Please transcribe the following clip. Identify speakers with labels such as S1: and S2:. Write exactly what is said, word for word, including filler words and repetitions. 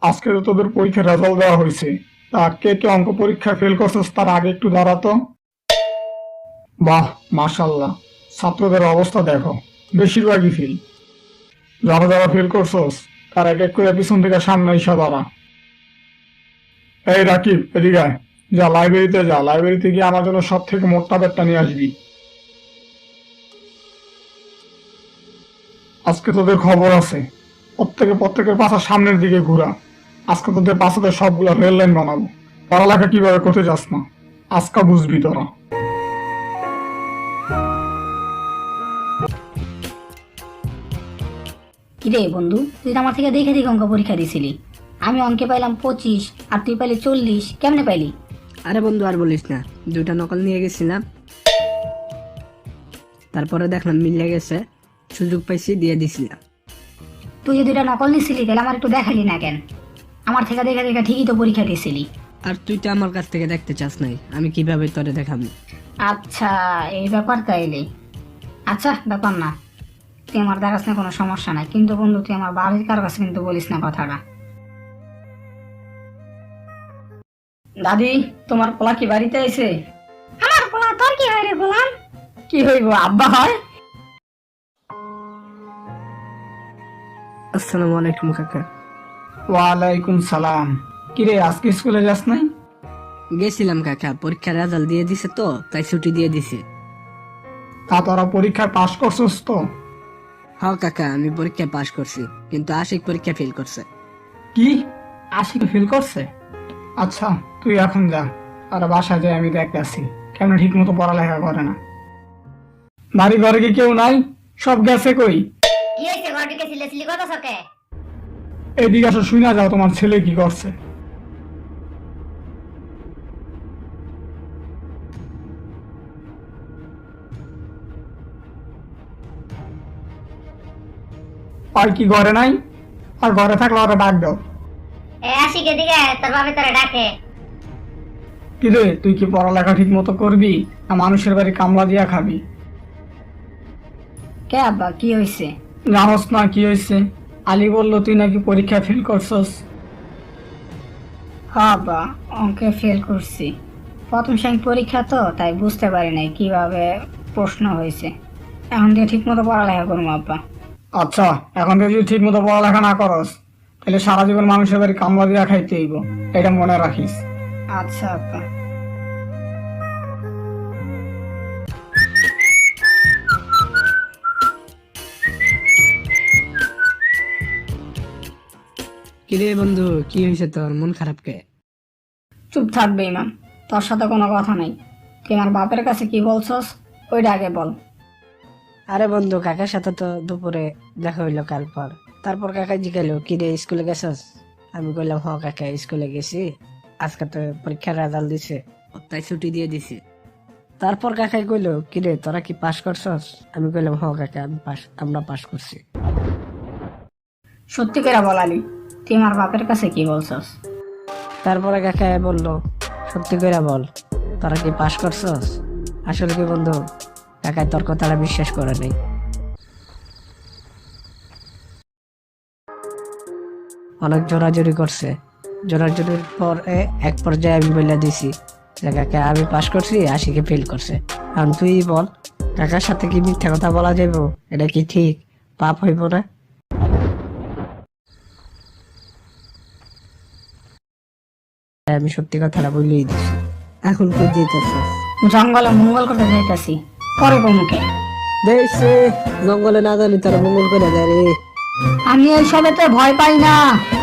S1: আজকে তো তোদের পরীক্ষার রেজাল্ট দেওয়া হয়েছে। তা কে কে অঙ্ক পরীক্ষা ফেল করছিস তার আগে একটু দাঁড়াতো। বাহ, মাশাল্লাহ, ছাত্রদের অবস্থা দেখো, বেশিরভাগই ফেল। যারা যারা ফেল করছস তার এক এক করে পিছন থেকে সামনে এসে দাঁড়া। এই রাকিব, এদিকে আয়। যা লাইব্রেরিতে যা, লাইব্রেরিতে গিয়ে আমার জন্য সব থেকে মোটা ব্যাগটা নিয়ে আসবি। আজকে তোদের খবর আছে, প্রত্যেকে প্রত্যেকের পাশা সামনের দিকে ঘুরা। আজকে তোদের পাশাতে সবগুলো রেল লাইন বানাবো। পড়ালেখা কিভাবে করতে যাস না, আজকা বুঝবি তোরা।
S2: কিরে বন্ধু, তুই তো আমার থেকে দেখে দেখে অঙ্ক পরীক্ষা দিছিলি। আমি অঙ্কে পাইলাম পঁচিশ আর তুই পাইলি চল্লিশ, কেমনে পাইলি?
S3: আরে বন্ধু আর বলিস না, দুইটা নকল নিয়ে গেছিলাম, তারপরে দেখলাম মিলে গেছে, সুযোগ পাইছি দিয়ে দিছিলাম।
S2: তুই যে দুইটা নকল নিছিলি তাহলে আমার একটু দেখালি না কেন? আমার থেকে দেখে দেখে ঠিকই তো পরীক্ষা দিছিলি।
S3: আর তুই তো আমার কাছ থেকে দেখতে চাস নাই, আমি কিভাবে তোরে দেখাবো?
S2: আচ্ছা, এই ব্যাপার তাইলে। আচ্ছা, ব্যাপার না, তুই আমার দেখাস না, কোনো সমস্যা নাই। কিন্তু বন্ধু, তুই আমার বাড়ির কারো কাছে কিন্তু বলিস না কথাটা। দাদি, তোমার পোলা কি বাড়িতে আইছে? আমার পোলা তোর কি হয় রে গোলাম? কি হইব, আব্বা হয়?
S3: আসসালামু আলাইকুম কাকা।
S1: ওয়ালাইকুম সালাম। কিরে, আজকে স্কুলে যাস নাই?
S3: গেছিলাম কাকা, পরীক্ষার রেজাল্ট দিয়ে দিছে তো তাই ছুটি দিয়ে দিছে।
S1: তা তোরা পরীক্ষায় পাশ করছস তো?
S3: হ্যাঁ কাকা, আমি পরীক্ষায় পাশ করছি, কিন্তু আশিক পরীক্ষা ফেল করছে।
S1: কি, আশিকে ফেল করছে? আচ্ছা, তুই এখন যা, আর বাসায় যাই আমি দেখতেছি কেমন ঠিক মতো পড়ালেখা করে না। বাড়ি ঘরে কি কেউ নাই? সব গেছে কই?
S2: কি হইছে, ঘর ঢুকে সিলেসিলি কথা সকে?
S1: এদিকে আসো, শুই না যাও তোমার ছেলে কি করছে। আর কি ঘরে নাই? আর ঘরে থাকলে ওরা ডাক দাও।
S2: এ আশিক, এদিকে আয়, তোর বাবা তোরে ডাকে।
S1: কি রে, তুই কি পড়ালেখা ঠিক মতো করবি না মানুষের বাড়ি কামলা দিয়া খাবি?
S2: কে আব্বা, কি হইছে?
S1: জানোস না কি হয়েছে? আলী বললো তুই নাকি পরীক্ষা ফেল করছস।
S2: হ্যাঁ আব্বা, অঙ্কে ফেল করছি। প্রথম শ্রেণী পরীক্ষা তো, তাই বুঝতে পারি নাই কিভাবে প্রশ্ন হয়েছে। এখন দিয়ে ঠিক মতো পড়ালেখা করবো আব্বা।
S1: আচ্ছা, এখন থেকে যদি ঠিক মতো পড়ালেখা না করস তাহলে সারা জীবন মানুষের বাড়ি কামলা দিয়া খাইতে হইব, এটা মনে রাখিস।
S2: আচ্ছা আব্বা।
S3: কিরে বন্ধু, কি হয়েছে তোর, মন খারাপ কে?
S2: চুপ থাকবে ইমাম, তোর সাথে কোনো কথা নাই। তুই আমার বাপের কাছে কি বলছস ওইটা আগে বল।
S3: আরে বন্ধু, কাকার সাথে তো দুপুরে দেখা হইলো কাল পর। তারপর কাকা জিজ্ঞালো, কিরে স্কুলে গেছস? আমি কইলাম, হ কাকা, স্কুলে গেছি, আজকে তো পরীক্ষার রেজাল্ট দিছে, তাই ছুটি দিয়ে দিছি। তারপর কাকাই কইলো, কিরে তোরা কি পাস করছস? আমি কইলাম, হ কাকা, আমি পাস, আমরা পাস করছি।
S2: সত্যি করে বল আলী, তুই আমার বাপের কাছে কি বলছস?
S3: তারপরে কাকা বললো, সত্যি করে বল, তোরা কি পাস করছস? আসলে কি বন্ধু, কাকাই তোর কথাটা বিশ্বাস করে নাই। অনেক জোরাজুরি করছে, জোরাজুরির পর এক পর্যায়ে আমি বলে দিছি যে কাকা আমি পাস করছি, আশিকে ফেল করছে। এখন তুই বল, কাকার সাথে কি মিথ্যা কথা বলা যাইব? এটা কি ঠিক? পাপ হইব না? আমি সত্যি কথাটা বলেই দিছি। এখন তুই যেতেছিস?
S2: জঙ্গলে মঙ্গল করতে যাইতাছি, পরে মুখে।
S3: দেখছে, জঙ্গলে না জানি তারা মঙ্গল করে দেয় রে।
S2: আমি এইসবেতে ভয় পাই না।